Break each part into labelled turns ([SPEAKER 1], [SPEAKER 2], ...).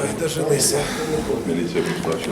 [SPEAKER 1] Ой, дожилися.
[SPEAKER 2] Міліція прийшла.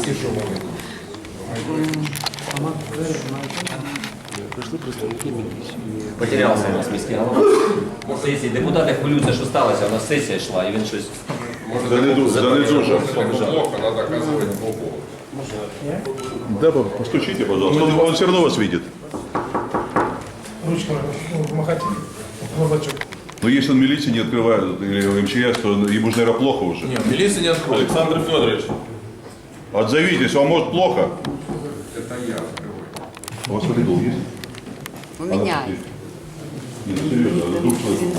[SPEAKER 3] Потерявся у нас міський голова. Сесії. Депутати хвилюються, що сталося, у нас сесія йшла, і він щось...
[SPEAKER 2] Занедужав.
[SPEAKER 4] Плохо, надо оказывать плохо.
[SPEAKER 2] Да, постучите, пожалуйста. Он все равно вас видит.
[SPEAKER 1] Ручками махать глазачок.
[SPEAKER 2] Но если он милиции не открывает, или МЧС, то ему же, наверное, плохо уже.
[SPEAKER 4] Нет, милиция не откроет. Александр Федорович.
[SPEAKER 2] Отзовитесь, вам может плохо?
[SPEAKER 4] Это я открываю.
[SPEAKER 2] У вас коридор есть?
[SPEAKER 5] У меня.
[SPEAKER 2] Нет, серьезно, двух человек.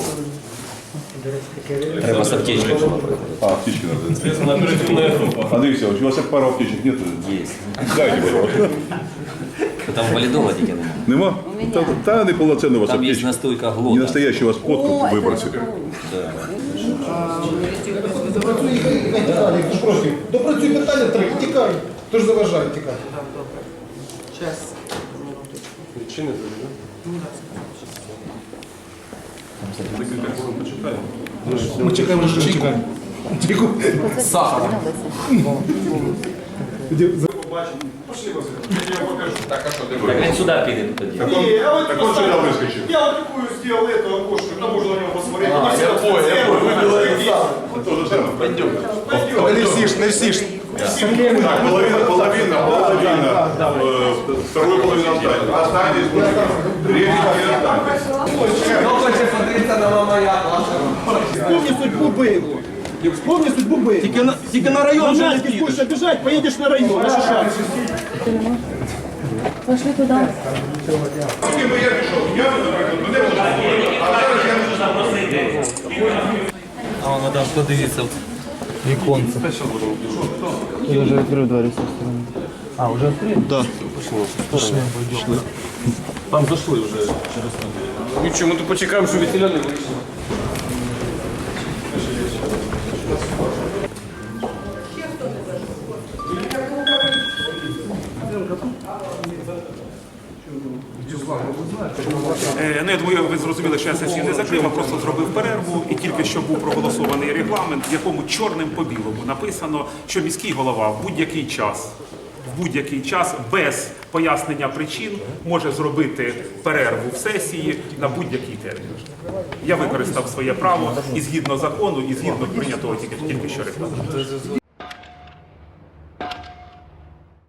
[SPEAKER 3] Треба з аптечкою була приходити.
[SPEAKER 2] А, аптечки надо.
[SPEAKER 4] Следственно, оперативная группа.
[SPEAKER 2] Андрей Алексеевич, у вас пару аптечек нет?
[SPEAKER 3] Є.
[SPEAKER 2] Дайте, пожалуйста.
[SPEAKER 3] Там валідола тільки немає.
[SPEAKER 2] Нема? Та неполноценная у вас
[SPEAKER 3] Там є
[SPEAKER 2] аптечка.
[SPEAKER 3] настойка
[SPEAKER 2] Не
[SPEAKER 3] глота.
[SPEAKER 2] настоящий у вас подкуп выбросили.
[SPEAKER 1] Допрацюй питання, треба, тікай. Хто ж заважає тікати? Ми чекаємо, що чекаємо. Чеку.
[SPEAKER 4] Так, а что ты
[SPEAKER 3] Так він сюди піде тоді.
[SPEAKER 2] Так он сюда выскочил.
[SPEAKER 1] Я вот такую сделал эту окошко, там можно на него посмотреть.
[SPEAKER 2] То же самое. Пойдем.
[SPEAKER 1] Не всі ж, не всі ж.
[SPEAKER 2] Так, половина. Вторую половину останется. Останетесь, третий не останетесь.
[SPEAKER 6] Вспомни судьбу Бейлу. Вспомни судьбу Бейлу. Тільки на район же не підеш. Будеш бежать, поедешь на район. На Шишак.
[SPEAKER 5] Пошли туда.
[SPEAKER 2] Поки би я пішов, я би, наприклад, мене було, а зараз я не запросити.
[SPEAKER 7] А воно там подивіться. Віконце.
[SPEAKER 6] Я вже відкрив двері з цієї сторони.
[SPEAKER 7] А, вже відкрив?
[SPEAKER 6] Да.
[SPEAKER 7] Пішли. Там зайшли вже через там.
[SPEAKER 4] Ничего, мы тут почекаем, что ветеляне вышли.
[SPEAKER 8] Ну, я думаю, ви зрозуміли, що я сесію не закрив, а просто зробив перерву, і тільки що був проголосований регламент, в якому чорним по білому написано, що міський голова в будь-який час без пояснення причин може зробити перерву в сесії на будь-який термін. Я використав своє право і згідно закону, і згідно прийнятого тільки що регламенту.